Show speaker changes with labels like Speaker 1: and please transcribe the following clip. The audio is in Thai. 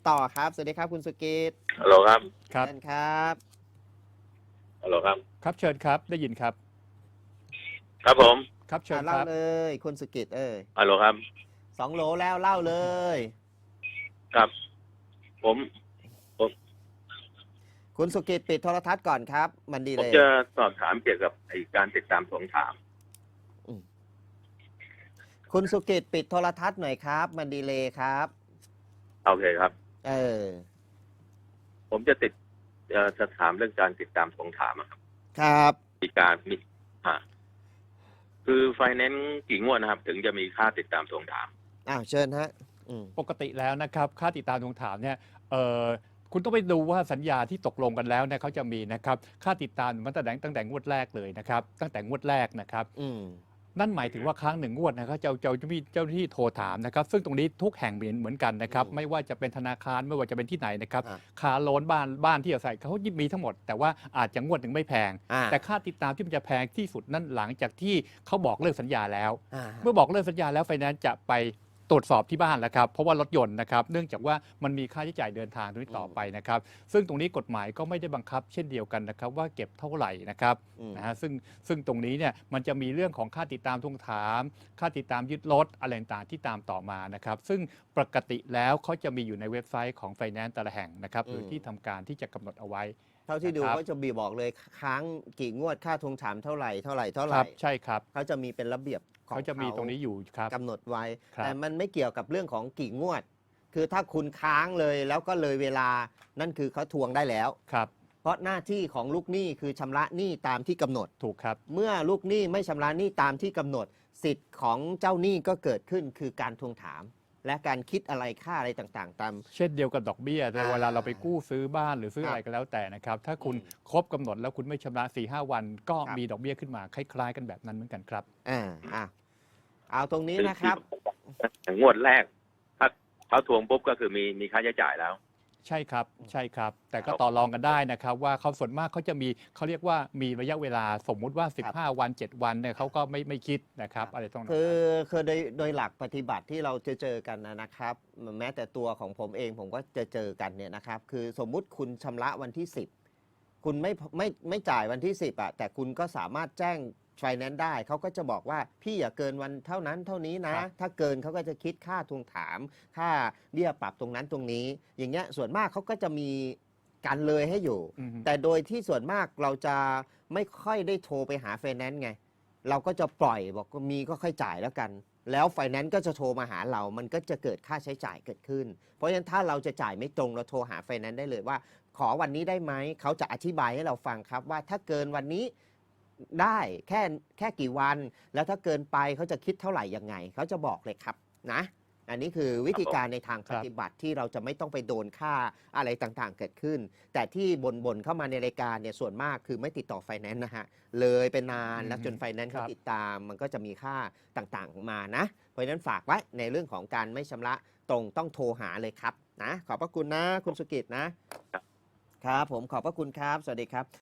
Speaker 1: ต่อครับสวัสดีครับคุณสุกิต
Speaker 2: ฮัลโหลครับ
Speaker 3: ครับ
Speaker 1: เชิญครับ
Speaker 2: ฮัลโหลครับ
Speaker 3: ครับเชิญครับได้ยินครับ
Speaker 2: ครับผม
Speaker 3: ครับเชิญค
Speaker 1: เล่า
Speaker 3: รับ
Speaker 1: เลยคุณสุกิต
Speaker 2: ฮัลโหลครับ
Speaker 1: 2 โหลแล้วเล่าเลย
Speaker 2: ครับผมผม
Speaker 1: คุณสุกิตปิดโทรทัศน์ก่อนครับมันดี
Speaker 2: ผม
Speaker 1: เลย
Speaker 2: จะสอบถามเกี่ยวกับการติดตามทวงถาม
Speaker 1: คุณสุกิตปิดโทรทัศน์หน่อยครับมันดีเลยครับ
Speaker 2: โอเคครับ
Speaker 1: เออ
Speaker 2: ผมจะถามเรื่องการติดตามทวงถามอะครับ
Speaker 1: ครับ
Speaker 2: มีการมีคือไฟแนนซ์กี่งวดนะครับ ถึงจะมีค่าติดตามทวงถาม
Speaker 1: เชิญฮะ
Speaker 3: ปกติแล้วนะครับค่าติดตามทวงถามเนี่ยคุณต้องไปดูว่าสัญญาที่ตกลงกันแล้วเนี่ยเขาจะมีนะครับค่าติดตามมันตั้งแต่งวดแรกเลยนะครับตั้งแต่งวดแรกนะครับนั่นหมายถึงว่าครั้งหนึ่งงวดนะครับเจ้าหน้าที่โทรถามนะครับซึ่งตรงนี้ทุกแห่งเหมือนกันนะครับไม่ว่าจะเป็นธนาคารไม่ว่าจะเป็นที่ไหนนะครับคาโลนบ้านที่อาศัยเขามีทั้งหมดแต่ว่าอาจจะงวดหนึ่งไม่แพงแต่ค่าติดตามที่มันจะแพงที่สุดนั่นหลังจากที่เขาบอกเลิกสัญญาแล้วเมื่อบอกเลิกสัญญาแล้วไฟแนนซ์จะไปตรวจสอบที่บ้านแล้วครับเพราะว่ารถยนต์นะครับเนื่องจากว่ามันมีค่าใช้จ่ายเดินทางตรงนี้ต่อไปนะครับซึ่งตรงนี้กฎหมายก็ไม่ได้บังคับเช่นเดียวกันนะครับว่าเก็บเท่าไหร่นะครับนะฮะซึ่งตรงนี้เนี่ยมันจะมีเรื่องของค่าติดตามทวงถามค่าติดตามยึดรถอะไรต่างๆที่ตามต่อมานะครับซึ่งปกติแล้วเขาจะมีอยู่ในเว็บไซต์ของไฟแนนซ์แต่ละแห่งนะครับหรือที่ทำการที่จะกำหนดเอาไว้
Speaker 1: เท่าที่ดูก็จะบอกเลยค้างกี่งวดค่าทวงถามเท่าไหร่
Speaker 3: ใช่ครับ
Speaker 1: เขาจะมีเป็นระเบียบ
Speaker 3: เขาจะมีตรงนี้อยู่ครับ
Speaker 1: กำหนดไว้แต่มันไม่เกี่ยวกับเรื่องของกี่งวดคือถ้าคุณค้างเลยแล้วก็เลยเวลานั่นคือเขาทวงได้แล้ว
Speaker 3: ครับ
Speaker 1: เพราะหน้าที่ของลูกหนี้คือชำระหนี้ตามที่กำหนด
Speaker 3: ถูกครับ
Speaker 1: เมื่อลูกหนี้ไม่ชำระหนี้ตามที่กำหนดสิทธิ์ของเจ้าหนี้ก็เกิดขึ้นคือการทวงถามและการคิดอะไรค่าอะไรต่างๆตาม
Speaker 3: เช่นเดียวกับดอกเบี้ยแต่เวลาเราไปกู้ซื้อบ้านหรือซื้ออะไรก็แล้วแต่นะครับถ้าคุณครบกำหนดแล้วคุณไม่ชำระ 4-5 วันก็มีดอกเบี้ยขึ้นมาคล้ายๆกันแบบนั้นเหมือนกันครับ
Speaker 1: เอาตรงนี้นะครับ
Speaker 2: งวดแรกถ้าเขาทวงปุ๊บก็คือมีค่าใช้จ่ายแล้ว
Speaker 3: ใช่ครับใช่ครับแต่ก็ต่อรองกันได้นะครับว่าเขาส่วนมากเขาจะมีเขาเรียกว่ามีระยะเวลาสมมุติว่า15 วัน 7 วันเนี่ยเขาก็ไม่คิดนะครับอะไรตรงนั้น
Speaker 1: คือโดยหลักปฏิบัติที่เราเจอกันนะครับแม้แต่ตัวของผมเองผมก็เจอกันเนี่ยนะครับคือสมมุติคุณชำระวันที่10คุณไม่จ่ายวันที่10แต่คุณก็สามารถแจ้งไฟแนนซ์ได้เขาก็จะบอกว่าพี่อย่าเกินวันเท่านั้นเท่านี้นะถ้าเกินเขาก็จะคิดค่าทวงถามค่าเบี้ยปรับตรงนั้นตรงนี้อย่างเงี้ยส่วนมากเขาก็จะมีกันเลยให้อยู่แต่โดยที่ส่วนมากเราจะไม่ค่อยได้โทรไปหาไฟแนนซ์ไงเราก็จะปล่อยบอกมีก็ค่อยจ่ายแล้วกันแล้วไฟแนนซ์ก็จะโทรมาหาเรามันก็จะเกิดค่าใช้จ่ายเกิดขึ้นเพราะฉะนั้นถ้าเราจะจ่ายไม่ตรงเราโทรหาไฟแนนซ์ได้เลยว่าขอวันนี้ได้ไหมเขาจะอธิบายให้เราฟังครับว่าถ้าเกินวันนี้ได้แค่กี่วันแล้วถ้าเกินไปเขาจะคิดเท่าไหร่ยังไงเขาจะบอกเลยครับนะอันนี้คือวิธีการในทางปฏิบัติที่เราจะไม่ต้องไปโดนค่าอะไรต่างๆเกิดขึ้นแต่ที่บ่นเข้ามาในรายการเนี่ยส่วนมากคือไม่ติดต่อไฟแนนซ์นะฮะเลยเป็นนานแล้วจนไฟแนนซ์เขาติดตามมันก็จะมีค่าต่างๆมานะเพราะฉะนั้นฝากไว้ในเรื่องของการไม่ชำระตรงต้องโทรหาเลยครับนะขอบพระคุณนะคุณสุกิตนะครับผมขอบพระคุณครับสวัสดีครับ